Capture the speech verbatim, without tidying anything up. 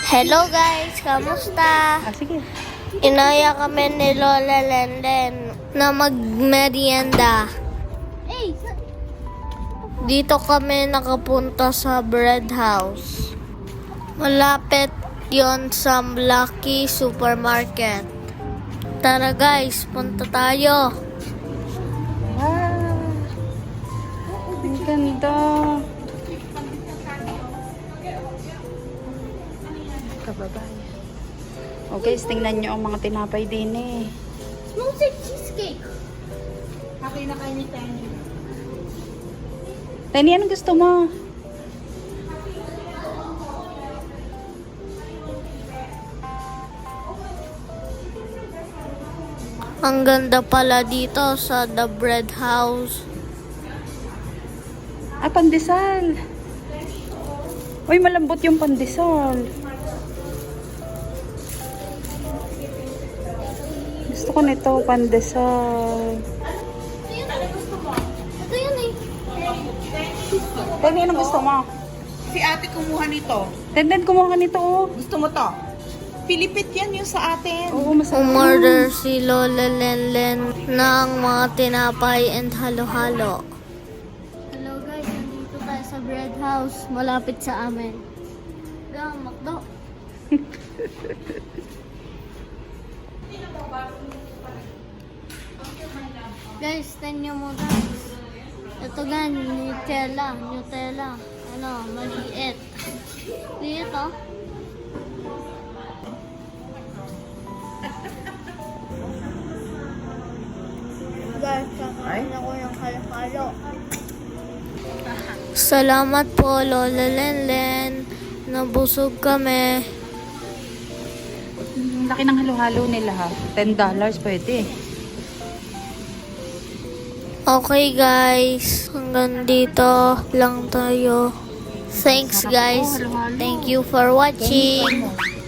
Hello guys, kamusta? Ah, sige. Inaya kami ni Lola Lenden na magmerienda. Dito kami nakapunta sa bread house. Malapit yon sa Lucky Supermarket. Tara guys, punta tayo. Wow! Ang ganda. Kababayan. O guys, tingnan nyo ang mga tinapay din eh. Smells like cheesecake. Okay na kayo ni Tenny. Tani, anong gusto mo? Ang ganda pala dito sa The Bread House. Ah, pandesal. Uy, malambot yung pandesal. Gusto ko nito, pandesal. Ito yun eh. Tani, anong gusto mo? Si ate kumuha nito. Tenden, kumuha ka nito oh. Gusto mo to? Pilipit yan yung sa atin. Oo, masarap. Umorder si Lola Lenlen ng mga tinapay and halo-halo. Hello guys, nandito tayo sa bread house, malapit sa amin. Yan, makdo. Guys, tanyo mo guys. Ito gan, Nutella, Nutella. Ano, maliit. Liit oh. Guys, kakain ako ng halo-halo. Salamat po, Lola Lenlen. Nabusog kami. Ang laki ng halo-halo nila ha. ten dollars pwede. Okay guys, hanggang dito lang tayo. Thanks guys. Thank you for watching.